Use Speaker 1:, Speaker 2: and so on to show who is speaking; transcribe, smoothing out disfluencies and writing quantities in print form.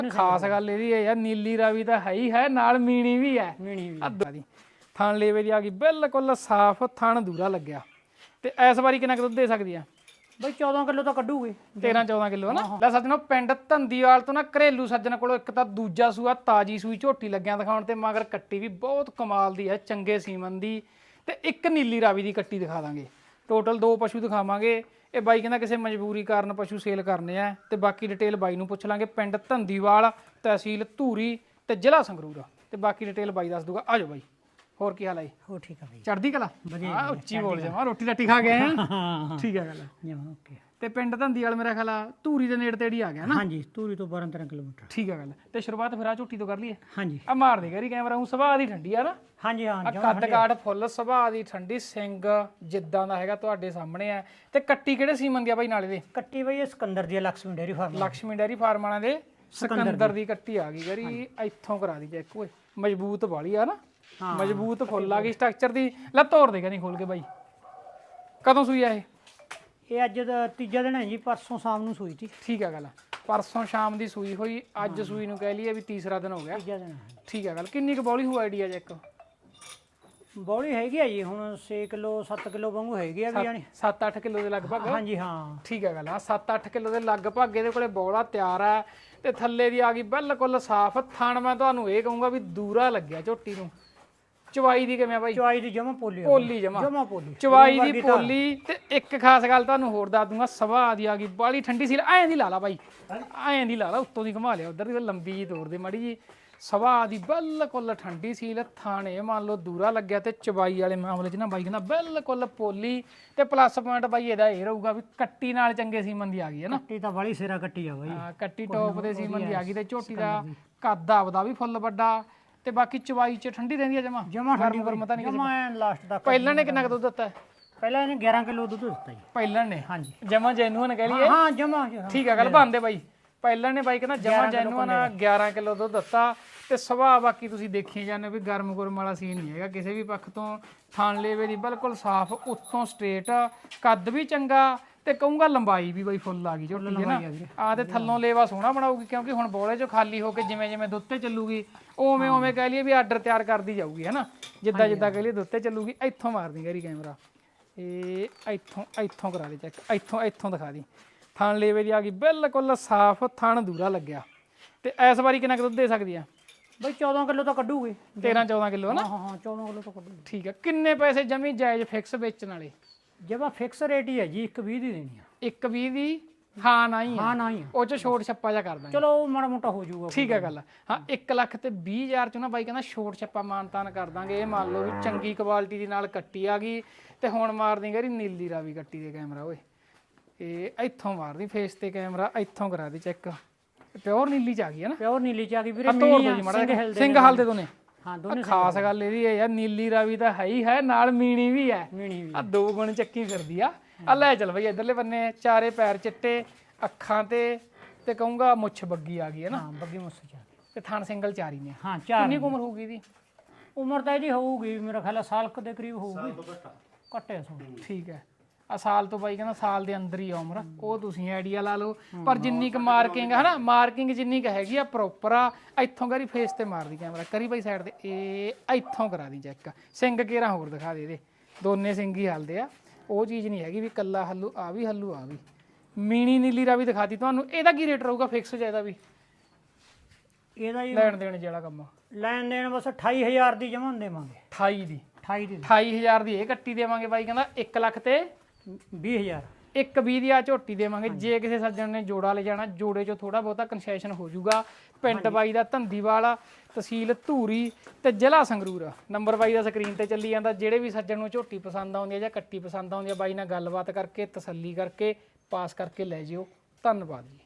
Speaker 1: ਖਾਸ ਗੱਲ ਇਹਦੀ ਹੈ ਯਾਰ, ਨੀਲੀ ਰਾਵੀ ਤਾਂ ਹੈ ਹੀ ਹੈ, ਨਾਲ ਮੀਣੀ ਵੀ ਹੈ।
Speaker 2: ਮੀਣੀ ਵੀ
Speaker 1: ਅੱਧਾ ਦੀ ਥਣ ਲੇਵੇ ਦੀ ਆ ਗਈ ਬਿਲਕੁਲ ਸਾਫ਼, ਥਣ ਦੂਰਾ ਲੱਗਿਆ। ਤੇ ਇਸ ਵਾਰੀ ਕਿੰਨਾ ਕੁ ਦੁੱਧ ਦੇ ਸਕਦੀ ਆ?
Speaker 2: ਬਈ 14 ਕਿਲੋ ਤਾਂ ਕੱਢੂਗੀ।
Speaker 1: 13-14 ਕਿਲੋ ਹੈ ਨਾ। ਲੈ ਸੱਜਣੋ, ਪਿੰਡ ਧੰਦੀਵਾਲ ਤੋਂ ਨਾ ਘਰੇਲੂ ਸੱਜਣ ਕੋਲੋਂ ਇੱਕ ਤਾਂ ਦੂਜਾ ਸੂਆ ਤਾਜੀ ਸੂਈ ਝੋਟੀ ਲੱਗਿਆ ਦਿਖਾਉਣ, ਤੇ ਮਗਰ ਕੱਟੀ ਵੀ ਬਹੁਤ ਕਮਾਲ ਦੀ ਹੈ, ਚੰਗੇ ਸੀਮਨ ਦੀ, ਤੇ ਇੱਕ ਨੀਲੀ ਰਾਵੀ ਦੀ ਕੱਟੀ ਦਿਖਾ ਦਾਂਗੇ। ਟੋਟਲ 2 ਪਸ਼ੂ ਦਿਖਾਵਾਂਗੇ। ਇਹ ਬਾਈ ਕਹਿੰਦਾ ਕਿਸੇ ਮਜਬੂਰੀ ਕਾਰਨ ਪਸ਼ੂ ਸੇਲ ਕਰਨੇ ਆ, ਤੇ ਬਾਕੀ ਡਿਟੇਲ ਬਾਈ ਨੂੰ ਪੁੱਛ ਲਾਂਗੇ। ਪਿੰਡ ਧੰਦੀਵਾਲ, ਤਹਿਸੀਲ ਧੂਰੀ ਤੇ ਜ਼ਿਲ੍ਹਾ ਸੰਗਰੂਰ, ਤੇ ਬਾਕੀ ਡਿਟੇਲ ਬਾਈ ਦੱਸ ਦੂਗਾ। ਆਜੋ ਬਾਈ, ਹੋਰ ਕੀ ਹਾਲ ਹੈ?
Speaker 2: ਹੋ ਠੀਕ ਆ ਬਈ,
Speaker 1: ਚੜ੍ਹਦੀ ਕਲਾ।
Speaker 2: ਵਧੀਆ
Speaker 1: ਉੱਚੀ ਬੋਲ ਜਾਵਾਂ, ਰੋਟੀ ਰਾਟੀ ਖਾ ਗਏ ਆ?
Speaker 2: ਹਾਂ
Speaker 1: ਠੀਕ ਹੈ ਗੱਲ।
Speaker 2: ਜਮਾ ਓਕੇ।
Speaker 1: ਤੇ ਪਿੰਡ ਧੰਦੀਵਾਲ ਮੇਰਾ ਖਿਆਲ ਆ ਧੂਰੀ ਦੇ ਨੇੜੇ ਤੇੜੀ ਆ ਗਿਆ ਨਾ?
Speaker 2: ਹਾਂਜੀ, ਧੂਰੀ ਤੋਂ 12-13 ਕਿਲੋਮੀਟਰ।
Speaker 1: ਠੀਕ ਹੈ ਗੱਲ। ਤੇ ਸ਼ੁਰੂਆਤ ਫਿਰ ਆ ਝੋਟੀ ਤੋਂ ਕਰ ਲਈਏ?
Speaker 2: ਹਾਂਜੀ
Speaker 1: ਆ ਮਾਰ ਦੇ ਗਰੀ ਕੈਮਰਾ। ਉਹ ਸੁਭਾਅ ਦੀ ਠੰਡੀ ਆ ਨਾ?
Speaker 2: ਹਾਂਜੀ ਹਾਂ,
Speaker 1: ਆ ਕੱਦ ਕਾਠ ਫੁੱਲ ਸੁਭਾਅ ਦੀ ਠੰਡੀ, ਸਿੰਘ ਜਿੱਦਾਂ ਦਾ ਹੈਗਾ ਤੁਹਾਡੇ ਸਾਹਮਣੇ ਆ। ਤੇ ਕੱਟੀ ਕਿਹੜੇ ਸੀਮਨ ਦੀ ਆ ਬਾਈ ਨਾਲੇ ਦੇ?
Speaker 2: ਕੱਟੀ ਬਈ ਇਹ ਸਿਕੰਦਰ ਦੀ Lakshmi dairy farm.
Speaker 1: Lakshmi dairy farm ਵਾਲਿਆਂ ਦੇ ਸਿਕੰਦਰ ਦੀ ਕੱਟੀ ਆ ਗਈ ਗਰੀ। ਇੱਥੋਂ ਕਰਾ ਦੀ ਚੈੱਕ। ਓਏ ਮਜ਼ਬੂਤ ਵਾਲੀ ਆ ਨਾ, ਮਜ਼ਬੂਤ ਫੁੱਲ ਆ ਗਈ ਸਟਰਕਚਰ ਦੀ। ਲੈ ਤੋੜ ਦੇਗਾ ਨਹੀਂ ਖੋਲ ਕੇ ਬਾਈ। ਕਦੋਂ ਸੂਈ ਆ ਇਹ?
Speaker 2: ਇਹ ਅੱਜ ਦਾ ਤੀਜਾ ਦਿਨ ਹੈ ਜੀ, ਪਰਸੋਂ ਸ਼ਾਮ ਨੂੰ ਸੂਈ ਸੀ।
Speaker 1: ਠੀਕ ਹੈ ਗੱਲ। ਪਰਸੋਂ ਸ਼ਾਮ ਦੀ ਸੂਈ ਹੋਈ, ਅੱਜ ਸੂਈ ਨੂੰ ਕਹਿ ਲਈਏ ਵੀ ਤੀਸਰਾ ਦਿਨ ਹੋ ਗਿਆ।
Speaker 2: ਤੀਜਾ ਦਿਨ ਹੈ।
Speaker 1: ਠੀਕ ਹੈ ਗੱਲ। ਕਿੰਨੀ ਕੁ ਬੌਲੀ ਹੋ ਆਈਡੀਆ ਚੈੱਕ?
Speaker 2: ਬੌਲੀ ਹੈਗੀ ਆ ਜੀ ਹੁਣ 6 ਕਿਲੋ 7 ਕਿਲੋ ਵਾਂਗੂ ਹੈਗੀ ਆ ਵੀ ਜਾਨੀ।
Speaker 1: 7-8 ਕਿਲੋ ਦੇ ਲਗਭਗ?
Speaker 2: ਹਾਂਜੀ ਹਾਂ।
Speaker 1: ਠੀਕ ਹੈ ਗੱਲ। ਹਾਂ 7-8 ਕਿਲੋ ਦੇ ਲਗਭਗ ਇਹਦੇ ਕੋਲੇ ਬੌਲਾ ਤਿਆਰ ਹੈ। ਤੇ ਥੱਲੇ ਦੀ ਆ ਗਈ ਬਿਲਕੁਲ ਸਾਫ਼। ਥਣ ਮੈਂ ਤੁਹਾਨੂੰ ਇਹ ਕਹੂੰਗਾ ਵੀ ਦੂਰਾ ਲੱਗਿਆ ਝੋਟੀ ਨੂੰ। ਚਵਾਈ ਦੀ ਕਿਵੇਂ ਬਾਈ?
Speaker 2: ਚਵਾਈ ਦੀ ਜਮਾ ਪੋਲੀ
Speaker 1: ਪੋਲੀ ਜਮਾ
Speaker 2: ਪੋਲੀ।
Speaker 1: ਚਵਾਈ ਦੀ ਪੋਲੀ। ਤੇ ਇੱਕ ਖਾਸ ਗੱਲ ਤੁਹਾਨੂੰ ਹੋਰ ਦੱਸ ਦੂੰਗਾ, ਸੁਭਾਅ ਦੀ ਆ ਗਈ ਬਾਲੀ ਠੰਡੀ ਸੀ। ਐਂ ਦੀ ਲਾ ਲਾ ਬਾਈ, ਐਂ ਦੀ ਲਾ ਲਾ, ਉੱਤੋਂ ਦੀ ਘੁਮਾ ਲਿਆ, ਉਧਰ ਦੀ ਲੰਬੀ ਜੀ ਤੋੜ ਦੇ ਮਾੜੀ ਜੀ। ਸੁਭਾਅ ਦੀ ਬਿਲਕੁਲ ਠੰਡੀ ਸੀਲ। ਥਾਣੇ ਮੰਨ ਲਓ ਦੂਰਾ ਲੱਗਿਆ। ਤੇ ਚਵਾਈ ਵਾਲੇ ਮਾਮਲੇ 'ਚ ਨਾ ਬਾਈ ਕਹਿੰਦਾ ਬਿਲਕੁਲ ਪੋਲੀ। ਤੇ ਪਲੱਸ ਪੁਆਇੰਟ ਬਾਈ ਇਹਦਾ ਇਹ ਰਹੂਗਾ ਵੀ ਕੱਟੀ ਨਾਲ ਚੰਗੇ ਸੀਮਨ ਦੀ ਆ ਗਈ ਹੈ ਨਾ?
Speaker 2: ਕੱਟੀ ਤਾਂ ਬੜੀ ਸਿਰਾ ਕੱਟੀ ਆ ਬਾਈ।
Speaker 1: ਹਾਂ ਕੱਟੀ ਟੌਪ ਦੇ ਸੀਮਨ ਦੀ ਆ ਗਈ। ਤੇ ਝੋਟੀ ਦਾ ਕੱਦ ਆਪਦਾ ਵੀ ਫੁੱਲ ਵੱਡਾ। ਤੇ ਬਾਕੀ ਚਵਾਈ 'ਚ ਠੰਡੀ ਰਹਿੰਦੀ ਆ ਜਮਾ?
Speaker 2: ਜਮਾ ਠੰਡੀ
Speaker 1: ਪਤਾ ਨਹੀਂ
Speaker 2: ਜਮਾ ਲਾਸਟ ਤੱਕ।
Speaker 1: ਪਹਿਲਾਂ ਨੇ ਕਿੰਨਾ ਕੁ ਦੁੱਧ ਦਿੱਤਾ?
Speaker 2: ਪਹਿਲਾਂ ਇਹਨੇ 11 ਕਿਲੋ ਦੁੱਧ ਦਿੱਤਾ ਜੀ।
Speaker 1: ਪਹਿਲਾਂ ਨੇ?
Speaker 2: ਹਾਂਜੀ
Speaker 1: ਜਮਾ ਜੈਨੂਅਨ ਕਹਿ ਲਈਏ?
Speaker 2: ਹਾਂ ਜਮਾ।
Speaker 1: ਠੀਕ ਆ ਗੱਲ ਬਣਦੇ ਬਾਈ। ਪਹਿਲਾਂ ਨੇ ਬਾਈ ਕਹਿੰਦਾ ਜਮਾ ਜੈਨੂਅਨ 11 ਕਿਲੋ ਦੁੱਧ ਦਿੱਤਾ। ਤੇ ਸੁਭਾਅ ਬਾਕੀ ਤੁਸੀਂ ਦੇਖੀ ਜਾਂਦੇ ਵੀ ਗਰਮ ਗੁਰਮ ਵਾਲਾ ਸੀਨ ਨਹੀਂ ਹੈਗਾ ਕਿਸੇ ਵੀ ਪੱਖ ਤੋਂ। ਥਣ ਲੇਵੇ ਦੀ ਬਿਲਕੁਲ ਸਾਫ਼, ਉੱਤੋਂ ਸਟ੍ਰੇਟ, ਕੱਦ ਵੀ ਚੰਗਾ। ਤੇ ਕਹੂੰਗਾ ਲੰਬਾਈ ਵੀ ਬਾਈ ਫੁੱਲ ਆ ਗਈ ਝੋਟੀ ਹੈ ਨਾ। ਆ ਤੇ ਥੱਲੋਂ ਲੇਵਾ ਸੋਹਣਾ ਬਣਾਉਗੀ, ਕਿਉਂਕਿ ਹੁਣ ਬੋਲੇ 'ਚੋਂ ਖਾਲੀ ਹੋ ਕੇ ਜਿਵੇਂ ਜਿਵੇਂ ਦੁੱਧ ਤੇ ਚੱਲੂਗੀ ਉਵੇਂ ਉਵੇਂ ਕਹਿ ਲਈਏ ਵੀ ਆਰਡਰ ਤਿਆਰ ਕਰਦੀ ਜਾਊਗੀ ਹੈ ਨਾ। ਜਿੱਦਾਂ ਜਿੱਦਾਂ ਕਹਿ ਲਈਏ ਦੁੱਧ ਤੇ ਚੱਲੂਗੀ। ਇੱਥੋਂ ਮਾਰਦੀ ਗਰੀ ਕੈਮਰਾ। ਇਹ ਇੱਥੋਂ ਕਰਾ ਦੇ ਚੈੱਕ। ਇੱਥੋਂ ਦਿਖਾ ਦੀ। ਥਣ ਲੇਵੇ ਦੀ ਆ ਗਈ ਬਿਲਕੁਲ ਸਾਫ਼, ਥਣ ਦੂਰਾ ਲੱਗਿਆ। ਤੇ ਇਸ ਵਾਰੀ ਕਿੰਨਾ ਕੁ ਦੁੱਧ ਦੇ ਸਕਦੀ ਆ?
Speaker 2: ਬਈ 14 ਕਿਲੋ ਤਾਂ ਕੱਢੂਗੀ।
Speaker 1: 13-14 ਕਿਲੋ ਹੈ ਨਾ?
Speaker 2: ਹਾਂ 14 ਕਿਲੋ ਤਾਂ ਕੱਢੂਗੀ।
Speaker 1: ਠੀਕ ਹੈ। ਕਿੰਨੇ ਪੈਸੇ ਜਮੀ ਜਾਇਜ਼ ਫਿਕਸ ਵੇਚਣ ਵਾਲੇ?
Speaker 2: ਜਮਾ ਫਿਕਸ ਰੇਟ ਹੀ ਹੈ ਜੀ, 120 ਦੀ ਦੇਣੀ ਆ।
Speaker 1: 120 ਦੀ? ਹਾਂ ਨਾ ਹੀ
Speaker 2: ਹਾਂ ਨਾ ਹੀ ਆ।
Speaker 1: ਉਹ 'ਚ ਛੋਟ ਛੱਪਾ ਜਾ ਕਰ ਦਾਂਗੇ।
Speaker 2: ਚਲੋ ਮਾੜਾ ਮੋਟਾ ਹੋ ਜਾਊਗਾ।
Speaker 1: ਠੀਕ ਹੈ ਗੱਲ। ਹਾਂ 1,20,000 'ਚ ਨਾ ਬਾਈ ਕਹਿੰਦਾ ਛੋਟ ਛੱਪਾ ਮਾਨਤਾਨ ਕਰ ਦਾਂਗੇ। ਇਹ ਮੰਨ ਲਓ ਵੀ ਚੰਗੀ ਕੁਆਲਿਟੀ ਦੀ ਨਾਲ ਕੱਟੀ ਆ ਗਈ। ਤੇ ਹੁਣ ਮਾਰਦੀ ਗਰੀ ਨੀਲੀ ਰਾਵੀ ਕੱਟੀ ਦੇ ਕੈਮਰਾ। ਓਏ ਇਹ ਇੱਥੋਂ ਮਾਰਦੀ ਫੇਸ ਤੇ ਕੈਮਰਾ। ਇੱਥੋਂ ਕਰਾ ਦੇ ਚੈੱਕ। ਪਿਓਰ ਨੀਲੀ 'ਚ ਆ ਗਈ ਹੈ ਨਾ?
Speaker 2: ਪਿਓਰ ਨੀਲੀ 'ਚ ਆ ਗਈ ਵੀਰੇ।
Speaker 1: ਸਿੰਘ ਹਲਦੇ ਦੋਨੇ?
Speaker 2: ਹਾਂ ਦੋਨੇ।
Speaker 1: ਖਾਸ ਗੱਲ ਇਹਦੀ ਹੈ ਯਾਰ, ਨੀਲੀ ਰਾਵੀ ਤਾਂ ਹੈ ਹੀ ਹੈ, ਨਾਲ ਮੀਣੀ ਵੀ ਹੈ।
Speaker 2: ਮੀਣੀ ਵੀ
Speaker 1: ਆ 2 ਗੁਣ ਚੱਕੀ ਫਿਰਦੀ ਆ। ਆ ਲੈ ਚੱਲ ਬਈ ਇਧਰਲੇ ਬੰਨੇ। ਚਾਰੇ ਪੈਰ ਚਿੱਟੇ, ਅੱਖਾਂ ਤੇ ਕਹੂੰਗਾ ਮੁੱਛ ਬੱਗੀ ਆ ਗਈ ਹੈ ਨਾ?
Speaker 2: ਹਾਂ ਬੱਗੀ ਮੁੱਛ ਚ।
Speaker 1: ਤੇ ਥਣ ਸਿੰਗਲ ਚਾਰੀ ਨੇ।
Speaker 2: ਹਾਂ 4।
Speaker 1: ਕਿੰਨੀ ਉਮਰ ਹੋਊਗੀ ਇਹਦੀ?
Speaker 2: ਉਮਰ ਤਾਂ ਇਹਦੀ ਹੋਊਗੀ ਮੇਰਾ ਖਿਆਲ ਸਾਲ ਦੇ ਕਰੀਬ ਹੋਊਗੀ। ਘੱਟੇ ਸੋ।
Speaker 1: ਠੀਕ ਹੈ। ਆ ਸਾਲ ਤੋਂ ਬਾਈ ਕਹਿੰਦਾ ਸਾਲ ਦੇ ਅੰਦਰ ਹੀ ਆ ਉਮਰ। ਉਹ ਤੁਸੀਂ ਆਈਡੀਆ ਲਾ ਲਓ। ਪਰ ਜਿੰਨੀ ਕੁ ਮਾਰਕਿੰਗ ਹੈ ਨਾ, ਮਾਰਕਿੰਗ ਜਿੰਨੀ ਕੁ ਹੈਗੀ ਆ ਪ੍ਰੋਪਰ ਆ। ਇੱਥੋਂ ਕਰੀ ਫੇਸ ਤੇ ਮਾਰਦੀ ਕੈਮਰਾ। ਕਰੀ ਬਾਈ ਸਾਈਡ ਤੇ। ਇਹ ਇੱਥੋਂ ਕਰਾ ਦੀ ਚੈੱਕ। ਸਿੰਘ ਕੇਰਾ ਹੋਰ ਦਿਖਾ ਦੇ ਇਹਦੇ। ਦੋਨੇ ਸਿੰਘ ਹੀ ਹਲਦੇ ਆ। ਉਹ ਚੀਜ਼ ਨਹੀਂ ਹੈਗੀ ਵੀ ਕੱਲਾ ਹੱਲੂ ਆ ਵੀ ਹੱਲੂ ਆ ਵੀ। ਮੀਣੀ ਨੀਲੀ ਰਾਵੀ ਦਿਖਾਤੀ ਤੁਹਾਨੂੰ। ਇਹਦਾ ਕੀ ਰੇਟ ਰਹੂਗਾ ਫਿਕਸ ਚਾਹੀਦਾ ਵੀ?
Speaker 2: ਇਹਦਾ ਜੀ
Speaker 1: ਲੈਣ ਦੇਣ ਜਿਹੜਾ ਕੰਮ?
Speaker 2: ਲੈਣ ਦੇਣ ਬਸ 28000 ਦੀ ਜਮਾਂ ਦੇਵਾਂਗੇ।
Speaker 1: 28 ਦੀ?
Speaker 2: 28 ਦੀ।
Speaker 1: 28000 ਦੀ ਇਹ ਕੱਟੀ ਦੇਵਾਂਗੇ ਬਾਈ ਕਹਿੰਦਾ। 1 ਲੱਖ ਤੇ
Speaker 2: 20000।
Speaker 1: 120 ਦੀ ਆ ਝੋਟੀ ਦੇਵਾਂਗੇ। ਜੇ ਕਿਸੇ ਸੱਜਣ ਨੇ ਜੋੜਾ ਲੈ ਜਾਣਾ, ਜੋੜੇ 'ਚੋਂ ਥੋੜਾ ਬਹੁਤਾ ਕਨਸੈਸ਼ਨ ਹੋ ਜਾਊਗਾ। ਪਿੰਡ ਬਾਈ ਦਾ ਧੰਦੀਵਾਲ, ਤਹਿਸੀਲ ਧੂਰੀ ਤੇ ਜ਼ਿਲ੍ਹਾ ਸੰਗਰੂਰ। ਨੰਬਰ ਬਾਈ ਦਾ ਸਕਰੀਨ ਤੇ ਚੱਲੀ ਜਾਂਦਾ। ਜਿਹੜੇ ਵੀ ਸੱਜਣ ਨੂੰ ਝੋਟੀ ਪਸੰਦ ਆਉਂਦੀ ਹੈ ਜਾਂ ਕੱਟੀ ਪਸੰਦ ਆਉਂਦੀ ਹੈ, ਬਾਈ ਨਾਲ ਗੱਲਬਾਤ ਕਰਕੇ ਤਸੱਲੀ ਕਰਕੇ ਪਾਸ ਕਰਕੇ ਲੈ ਜਿਓ। ਧੰਨਵਾਦ ਜੀ।